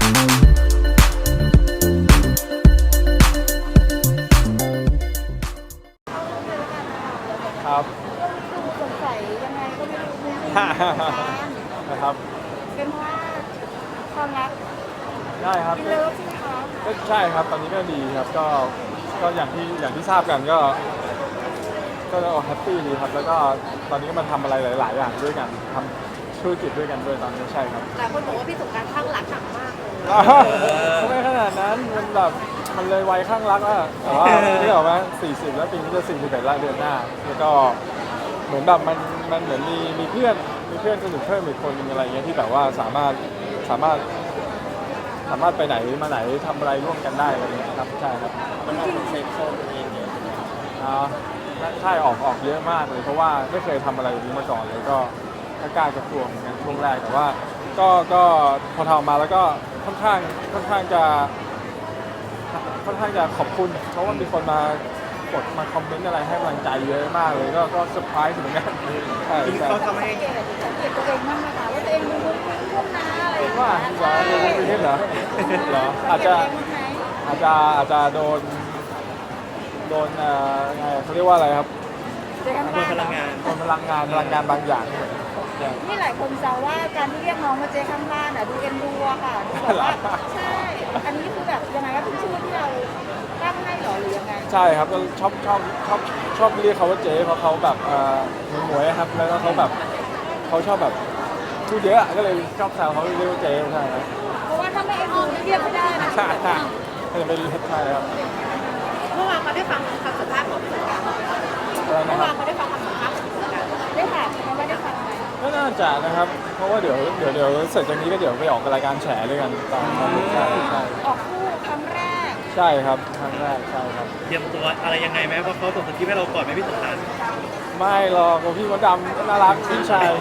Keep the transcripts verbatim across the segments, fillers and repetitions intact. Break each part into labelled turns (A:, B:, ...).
A: ครับ
B: ดูสงสัยยังไงก็ไม่รู้ไม่รู้
A: นะครับ
B: เป็นเพราะว่าความรัก
A: ได้ครับ
B: เป็นเลิฟใช่ไหมคะ
A: ก็ใช่ครับตอนนี้ก็ดีครับก็ก็อย่างที่อย่างที่ทราบกันก็ก็แฮปปี้ดีครับแล้วก็ตอนนี้ก็มาทำอะไรหลาย ๆ อย่างด้วยกันทำธุรกิจด้วยกันด้วยตอนนี้ใช่ครับ
B: หลายคนบอกว่าพี่สงกรานต์ข้างรักหนักมากเลย
A: ไม่ขนาดนั้นมันแบบมันเลยวัยข้างรักอะแต่ว่าที่บอกว่าสี่สิบแล้วปีนี้จะสี่สิบเอ็ดแล้วเดือนหน้าแล้วก็เหมือนแบบมันมันเหมือนมีมีเพื่อนมีเพื่อนสนิทเพิ่มอีกคนนึงอะไรเงี้ยที่แบบว่าสามารถสามารถสามารถไปไหนมาไหนทำอะไรร่วมกันได้อะไรเงี้ยครับใช่ครับ
C: มันออกเซ็กโซตัวเองเนี่ย
A: อ่าใช่ออกออกเยอะมากเลยเพราะว่าไม่เคยทำอะไรแบบนี้มาก่อนเลยก็กล้ากระทรวงเหมือนกันช่วงแรกแต่ว่าก็ก็พอทำมาแล้วก็ค่อนข้างค่อนข้างจะค่อนข้างจะขอบคุณเพราะว่ามีคนมากดมาคอมเมนต์อะไรให้กำลังใจเยอะมากเลยก็ก็เซอร์ไพรส์เหมือนกันใช่
C: จริง
A: ใช่
C: เขาทำ
B: สั
C: ให้
B: งเกตสังเกตตัวเองบ้างไหมคะว่าตัวเองมีมุ้งมิ้งมุ้งน้าอะไรอย่างเงี้ย
A: ว่าเหรอโดนไปเห็นเหรอเหรออาจจะ
B: สังเกตตัวเองบ้างไหม
A: อาจจะอาจจะโดนโดนเอ่อไงเขาเรียกว่าอะไรครับ
B: เจอกัน
C: เพื่
B: บ้า
C: อง พลังงาน
A: โดนพลังงานพลังงานบางอย่างอย่าง
B: นี่หลายคนแซวว่าการที่เรียกน้องมาเจอข้างบ้านอ่ะดูเอ็นดูอะค่ะดูแบบว่าใช่อันนี้คือแบบยังไงก็เป็นชื่อที่เราตั้งให้หรอหรือยังไง
A: ใช่ครับก็ชอบชอบชอบชอบเรียกเขาว่าเจ๊เพราะเขาแบบเอ่อหมวยๆครับแล้วก็เขาแบบเขาชอบแบบพูดเยอะก็เลยชอบแซวเขาเรียกว่าเจ๊ใช่ครับ
B: เพราะว่าถ้าไม่เอ็นดูเรียกไม่ได้นะ
A: ใช่ใช่ก็จะเป็นใช่ครับ
B: เมื่อวานเขาได้ฟังคำสัมภาษณ์ของพี่สงกรานต์
A: อะไรนะ
B: เมื่อ
A: ครั
B: วาน
A: บ
B: เขาได้ฟังคำสัมภาษณ์ของพี่สงกรานต์ได้ถามไหมว่าได้ฟังไหม
A: ก็น่าจะนะครับ เพราะว่าเดี๋ยวเดี๋ยวเดี๋ยวเสร็จจากนี้ก็เดี๋ยวไปออกรายการแฉด้วยกันต่อครับใช่ใช่
B: ออกคู่ครั้งแรก
A: ใช่ครับครั้งแรกใช่ครับ
C: เตรียมตัวอะไรยังไงไหมเพราะเขาส่งสคริปต์ให้เราก่อนไหมพี่สงกรานต์
A: ไม่หรอกพี่มดดำน่ารักพี่ชาย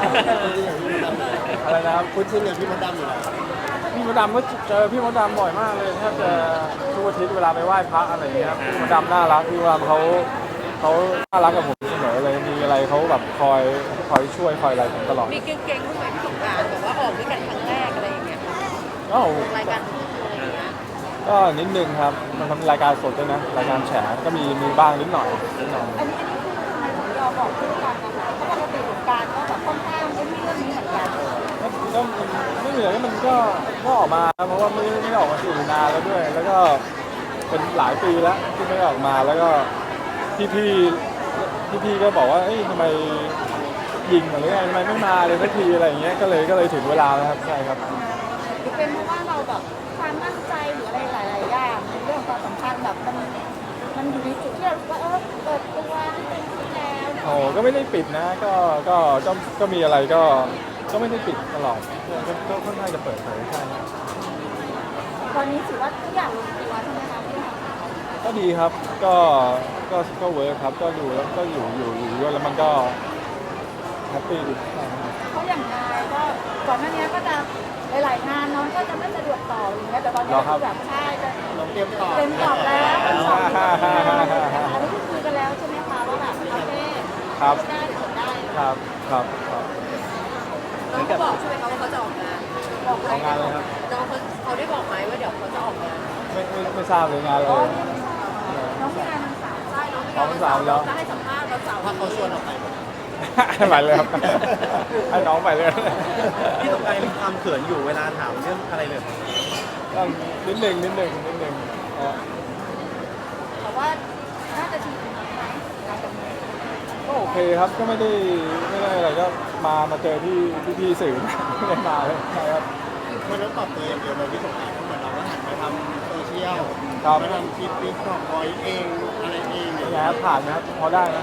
A: อะไรนะครับ
C: คุณชินอย่างพี่มดดำอยู่แล้ว
A: พี่มดดำก็เจอพี่มดดำบ่อยมากเลยแทบจะทุกอาทิตย์เวลาไปไหว้พระอะไรอย่างเงี้ยครับพี่มดดำน่ารักพี่มดดำเขาเขาน่ารักกับผมเสมอเลยมีอะไรเขาแบบคอยคอยช่วยคอยอะไรผมตลอด
B: มีเก่งๆบ้างไหมพี่สงกรานต์แบบว่าออกด้วยกันครั้งแรกอะไรอย่างเงี้ย
A: ก็
B: รายการคู่อะไรอย่างเงี้ย
A: ก็นิดนึงครับมันทำรายการสดด้วยนะรายการแฉก็มีมีบ้างนิดหน่อยนิดหน่อย
B: อันนี้อันนี้คือทำไมถึงยอมบอกคู่กันนะคะเพราะปกติสงกรานต์ก็แบบค่อนข้างไอ้ที่เรื่องนี้เหมือนกัน
A: ก็ก็ไม่เหนื่อยมันก็ก็ออกมาเพราะว่าไม่ไม่ได้ออกมาสื่อนานแล้วด้วย แล้วก็เป็นหลายปีแล้วที่ไม่ได้ออกมาแล้วก็พี่พี่พี่พี่ๆก็บอกว่าเอ้ยทำไมยิงหรือไงทำไมไม่มาเลยสักทีอะไรอย่างเงี้ยก็เลยก็เลยถึงเวลาแล้วครับใช่ครับ
B: หรือเป็นเพราะว่าเราแบบความมั่นใจหรืออะไรหลายๆอย่างในเรื่องความสัมพันธ์แบบมันมันอยู่ในจุดที่เรารู้ว่าเออเปิดตัวให้เป็นที่แล้ว
A: โอ้ก็ไม่ได้ปิดนะก็ก็ก็ก็มีอะไรก็ก็ไม่ได้ปิดตลอดก็ก็ก็ค่อนข้างจะเปิดเผยใช่ครับ
B: ตอนนี้ถือว่าทุกอย่างลงตัวใช่ไหมคะพี่
A: ก็ดีครับก็ก็ก็เวิร์คครับก็ดูแล้วก็อยู่อยู่อยู่ด้วยแล้วมันก็แฮปปี้ดีใช่ครับ
B: เพราะอย่างนายก็ก่อนหน้านี้ก็จะหลายๆงานน้องก็จะไม่สะดวกต่ออย่างเงี้ยแต่ตอนนี้คือแบบใช่จะ
C: น้องเตรียมต่อ
B: เต็มตอบแล้วเต็มตอบแล้วอันนี้คือคุยกันแล้วใช่ไหมคะว่าแบบโอเค
A: ครับ
B: ได้ผลได้
A: ครับครับครับ
B: น้องเขาบอกใช่ไหมคะว่าเขาจะออกงานบอก
A: ทำงานเลยครับ
B: น้องเขาเขาได้บอกไหมว่าเดี๋ยวเขาจะออกงาน
A: ไม่ไม่ไม่ทราบเลยงานเลย
B: น้องมีงานวันเสาร์ใช่น้องมี
A: อ๋อวันเสาร์แล้ว
B: จะให้สัมภาษณ์วันเสาร์
C: ถ้าเขาชวนออกไป
A: ไปเลยครับให้น้องไปเลย
C: พี่สงกรานต์มีความเขินอยู่เวลาถามเรื่องอะไรเลย
A: ก็นิดหนึ่งนิดหนึ่งนิดหนึ่งอ่ะ
B: แต่ว่าน่าจะชินไหมหลังจากนี้
A: ก็โอเคครับก็ไม่ได้ไม่ได้อะไรก็มามาเจอที่ที่พี่สื่อ ไม่ได้มาเลยใช่ครับ
C: มันต้องปรับตัวอย่างเดียวเลยพี่สงกรานต์เหมือนเราก็หันมาทำโซเชียล
A: ครับ
C: มาทำคลิปติ๊กต็อกบอยเองอะไรเอง
A: เป็นไงครับผ่านไหมครับพอได้นะ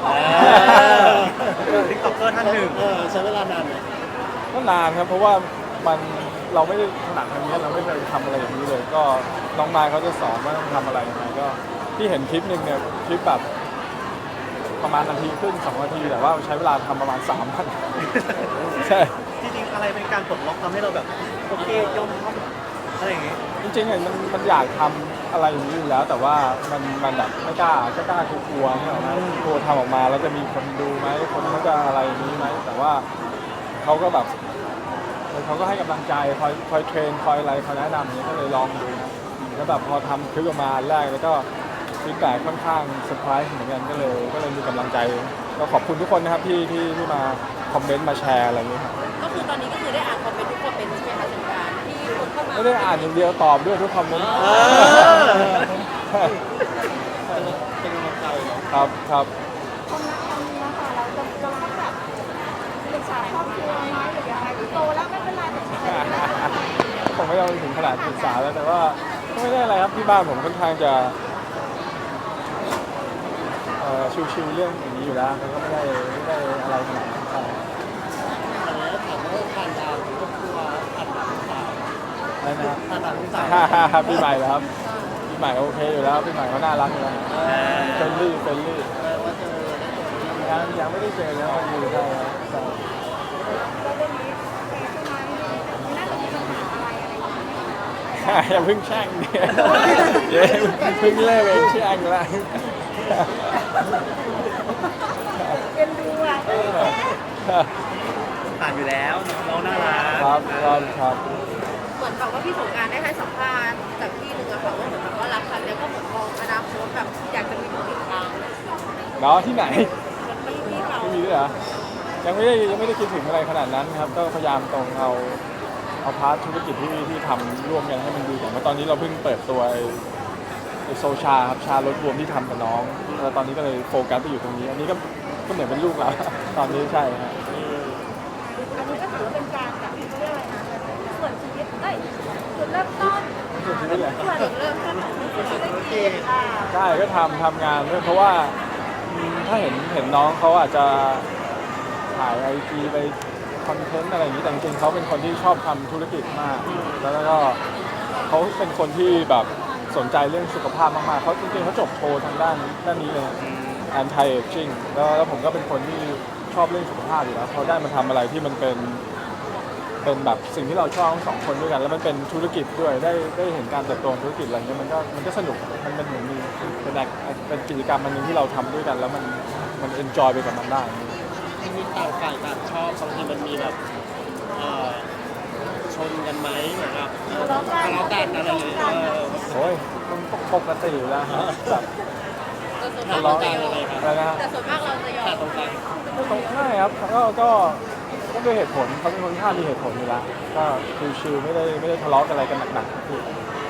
C: ติ๊กต็อกเกอร์ท่านหนึ่งเออใช้เวลานานไหม
A: ก็นานครับเพราะว่ามันเราไม่ได้ถนัดทางนี้เราไม่เคยทำอะไรอย่างนี้เลย ก็น้องนายเขาจะสอนว่าต้องทำอะไรยังไงก็ที่เห็นคลิปหนึ่งเนี่ยคลิปแบบประมาณนาทีครึ่งสองนาทีแต่ว่าใช้เวลาทำประมาณสามวัน ใช่
C: จริงๆอะไรเป็นการปลดล็อกทำให้เราแบบโอเคยอมทำอะไรอย่างงี้
A: จริงๆอ่ะมันมันอยากทำอะไรอย่างนี้อยู่แล้ว แต่ว่ามันมันแบบไม่กล้าก็กล้ากลัวๆเนี่ยนะกลัวทำออกมาแล้วจะมีคนดูไหมคนเขาจะอะไรอย่างนี้ไหมแต่ว่าเขาก็แบบแล้วเขาก็ให้กำลังใจคอยคอยเทรนคอยอะไรคอยแนะนำอย่างนี้ก็เลยลองดูนะแล้วแบบพอทำคลิปออกมาอันแรกแล้วก็ฟีดแบ็กค่อนข้างเซอร์ไพรส์เหมือนกันก็เลยก็เลยมีกำลังใจก็ขอบคุณทุกคนนะครับที่ที่ที่มาคอมเมนต์มาแชร์อะไรอย่างนี้ครับ
D: ก็คือตอนนี้ก็คือได้อ่านคอมเมนต์ทุกคอมเมนต์ใช่ไหมคะสงกรานต์ที่คนเข้ามา
A: ไม่ได้อ่านอย่างเดียวตอบด้วยทุกคอมเมนต์
C: เออเป็นกำลังใจเนาะ
A: ครับครับ
B: ความรักครั้งนี้นะคะเราจะจะต้องแบบปรึกษาครอบครัวไหมหรือยังไงหรือโตแล้วไม่เป็นไรแต่ใช้
A: ผมไม่ต้องถึงขนาดปรึกษาแล้วแต่ว่าก็ไม่ได้อะไรครับที่บ้านผมค่อนข้างจะเอ่อชิวๆเรื่องอย่างนี้อยู่แล้วมันก็ไม่ได้ไม่ได้อะไรขนาดนั้นครับ
C: แล้วถามว่าการดาวครอบครัวผ่านหลังสาว
A: อะไรนะครับ
C: ผ่านหลังสาว
A: ฮ่าฮ่าฮ่าพี่ใหม่เหรอครับพี่ใหม่โอเคอยู่แล้วพี่ใหม่เขาน่ารักอยู่แล้วเฟรนลี่เฟรนลี่
C: เออว่าเจอได้เจอ
A: ยังยังไม่ได้เจอแล้วอยู่ใช่ครับใช่
B: แล้วเรื่องนี้โอเคใช่ไหมไม่น่าจะมีปัญหาอะไรอะไรอย่างเงี้ย
A: อย่าเพิ่งแช่งดิเดี๋ยวเพิ่งเลิกเองแช่งแล้ว
B: เอ็นดูอ่ะ
C: ผ่านอยู่แล้วน้องน่ารัก
A: ครับครับครับ
D: เหมือนแบบว่าพี่สงกรานต์ได้ให้สัมภาษณ์จากที่หนึ่งอะค่ะว่าเหมือนแบบว่ารักครั้งเนี้ยก็เหมือนมองอนาคตแบบอยากจะมีลูกอีกครั้ง
A: เนาะที่ไหน
D: มันมีที่เรา
A: ไม่มีด้วยเหรอยังไม่ได้ยังไม่ได้คิดถึงอะไรขนาดนั้นครับก็พยายามตรงเอาเอาพาร์ทธุรกิจที่ที่ทำร่วมกันให้มันดีก่อนเพราะตอนนี้เราเพิ่งเปิดตัวไอ้ไอโซชาครับชารถรวมที่ทำกับน้องแล้วตอนนี้ก็เลยโฟกัสไปอยู่ตรงนี้ อันนี้ก็ก็เหมือนเป็นลูกเรา ตอนนี้ใช่ฮะ
B: อันนี้ก็ถือว่าเป็นการแบบเขาเรียกอะไรนะส่วนชีวิตเอ้ยจุดเริ่มต้น
A: ส่วนชีวิตเลย
B: ส่วนเริ่มต้นของธุรกิจอ่า
A: ใช่ก็ทำทำงานด้วยเพราะว่าอืมถ้าเห็นเห็นน้องเขาอาจจะถ่ายไอจีไปคอนเทนต์อะไรอย่างนี้แต่จริงๆเขาเป็นคนที่ชอบทำธุรกิจมาก แล้วก็เขาเป็นคนที่แบบสนใจเรื่องสุขภาพมากๆเขาจริงๆเขาจบโททางด้านด้านนี้เลย anti aging แล้วแล้วผมก็เป็นคนที่ชอบเรื่องสุขภาพอยู่แล้วเขาได้มาทำอะไรที่มันเป็นเป็นแบบสิ่งที่เราชอบทั้งสองคนด้วยกัน แล้วมันเป็นธุรกิจด้วยได้ได้เห็นการเติบโตของธุรกิจอะไรเงี้ยมันก็มันก็สนุกมันเป็นเหมือนมีเป็นแอคเป็นกิจกรรมอันหนึงที่เราทำด้วยกัน แล้วมันมัน enjoy ไปกับมันได้
C: มีต่างฝ่ายต่างชอบบางทีมันมีแบบเอ่อชนกันไหมเหมือนแบบเออทะเลาะกันอะไรอย่างเงี้ยเออ
A: โอ้ยมันปกติอยู่แล้วฮะแบบ
D: แต่ส่วน
C: ทะ
D: มาก
C: เลาะกันอะไรครับ
A: อะไรนะฮะ
D: แต่ส่วนมากเราจะยอ
C: ขาด
D: ม
C: ตรงกลาง
A: ไม่ตรงไม่ครับก็ก็ก็ด้วยเหตุผลเขาเป็นคนที่ข้างมีเหตุผลอยู่แล้วก็ชิวๆไม่ได้ไม่ได้ทะเลาะกันอะไรกันหนักๆคือใช่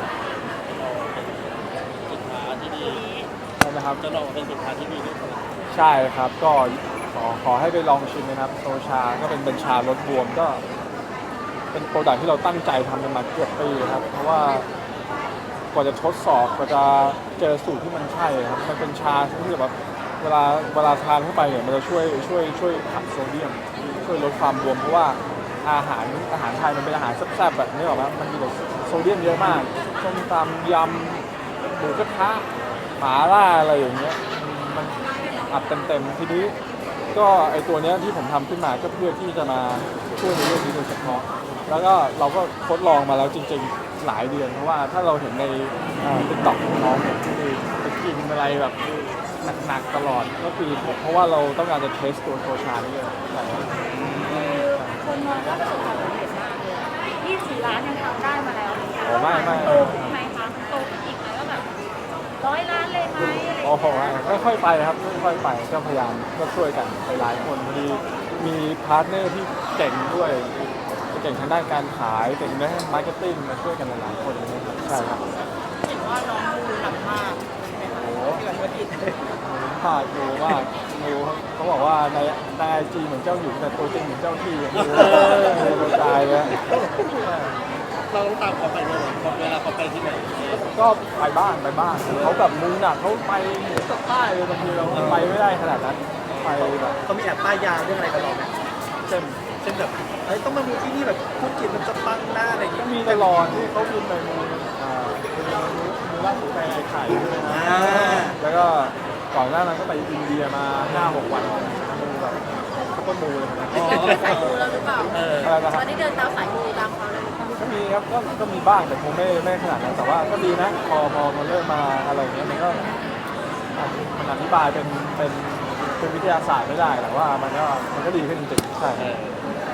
C: สินค้าที่ดี
A: ใช่นะครับ
C: จะลองเป็นสินค้าที่ดีด้วยกัน
A: ใช่ครับก็ขอขอให้ไปลองชิมนะครับโซชาก็เป็นเป็นชาลดบวมก็ เป็นโปรดักที่เราตั้งใจทำกันมาเกือบปีครับเพราะว่ากว่าจะทดสอบกว่าจะเจอสูตรที่มันใช่ครับมันเป็นชาที่แบบเวลาเวลาทานเข้าไปเนี่ยมันจะช่วยช่วยช่วยขับโซเดียมช่วยลดความบวมเพราะว่าอาหารอาหารไทยมันเป็นอาหารแซ่บๆแบบนี้หรอกครับมันมีแต่โซเดียมเยอะมากส้มตำยำหมูกระทะหมาล่าอะไรอย่างเงี้ยมันอัดเต็มๆทีนี้ก็ไอตัวเนี้ยที่ผมทำขึ้นมาก็เพื่อที่จะมาช่วยในเรื่องนี้โดยเฉพาะแล้วก็เราก็ทดลองมาแล้วจริงๆหลายเดือนเพราะว่าถ้าเราเห็นในติ๊กต็อกของน้องเนี่ยที่ไปกินอะไรแบบหนักๆตลอดก็คือเพราะว่าเราต้องการจะเทสตัวโซชานี่เลยใช่ครับ
B: คือคนมองว่าประสบความสำเร็จมากเลยยี่สิบสี่ล้านยังทำได้มาแล้วเนี่ย
A: โอ้ไม่ไม่
B: โตขึ้นไหมคะโตขึ้นอีกไหมว่าแบบร้อยล้านเลยไหมอะไรอย่าง
A: โอ้โห
B: เงี้ย
A: ค่อยๆไปครับค่อยๆไปก็พยายามก็ช่วยกันไปหลายคนพอดีมีพาร์ทเนอร์ที่เก่งด้วยเก่งทางด้านการขายเก่งด้านมาร์เก็ตติ้งมาช่วยกันหลายๆคนเลยนะครับใช่ครับ
D: เห็นว่าน้องดูหนักมาก
A: โอ้โห
D: ที่วันธุรกิจ
A: พลาดดูมากดูเขาบอกว่าในในไอจีเหมือนเจ้าหญิงแต่ตัวจริงเหมือนเจ้าที่ดูดูตายเลย
C: เราต้องตามเขาไปด้วยเหรอเวลาเขาไปที่ไหน
A: ก็ไปบ้างไปบ้างเขาแบบมุงหนักเขาไปเหนือกับใต้เลยบางทีเราไปไม่ได้ขนาดนั้นไปแบบ
C: เขามีแอบป้ายยาเรื่องอะไรกับเราไหม
A: เช่น
C: เช่นแบบเฮ้ยต้องมาดูที่นี่แบบธุรกิจมันจะปังหน้าอะไรอย่าง
A: ก็
C: เงี้ย
A: มีตลอดที่เขาบินไปมูอ่ามูล่าสุดไปไอ้ไข่ด้วยนะ
C: อ่า
A: แล้วก็ก่อนหน้านั้นก็ไปอินเดียมาห้าหกวันมูแบบเขาก็มูเลยนะ
D: สายมูแล้วหรือเปล่า
C: เออ
A: อะไรนะค
D: ต
A: รั
D: อบ นนี้เดินตามสายมูตามเขาเลยหรือเปล่า
A: ก็มีครับก็ก็มีบ้างแต่คงไม่ไม่ขนาดนั้นแต่ว่าก็ดีนะพอพอมันเริ่มมาอะไรอย่างเงี้ยมันก็มันอธิบายเป็นเป็นเป็นวิทยาศาสตร์ไม่ได้แต่ว่ามันก็มันก็ดีขึ้นจริงๆใช่
C: เออ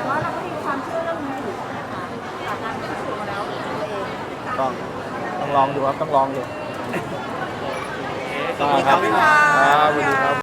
B: แต่ว่าเราก็มีความเชื่อเรื่องนี้อยู่นะคะจากการพิสูจน์มาแล้วตัวเอง
A: ต้องต้องลองดูครับต้องลองดู
C: ขอบคุณครับพี่หมอ
A: ครับสวัสดีครับ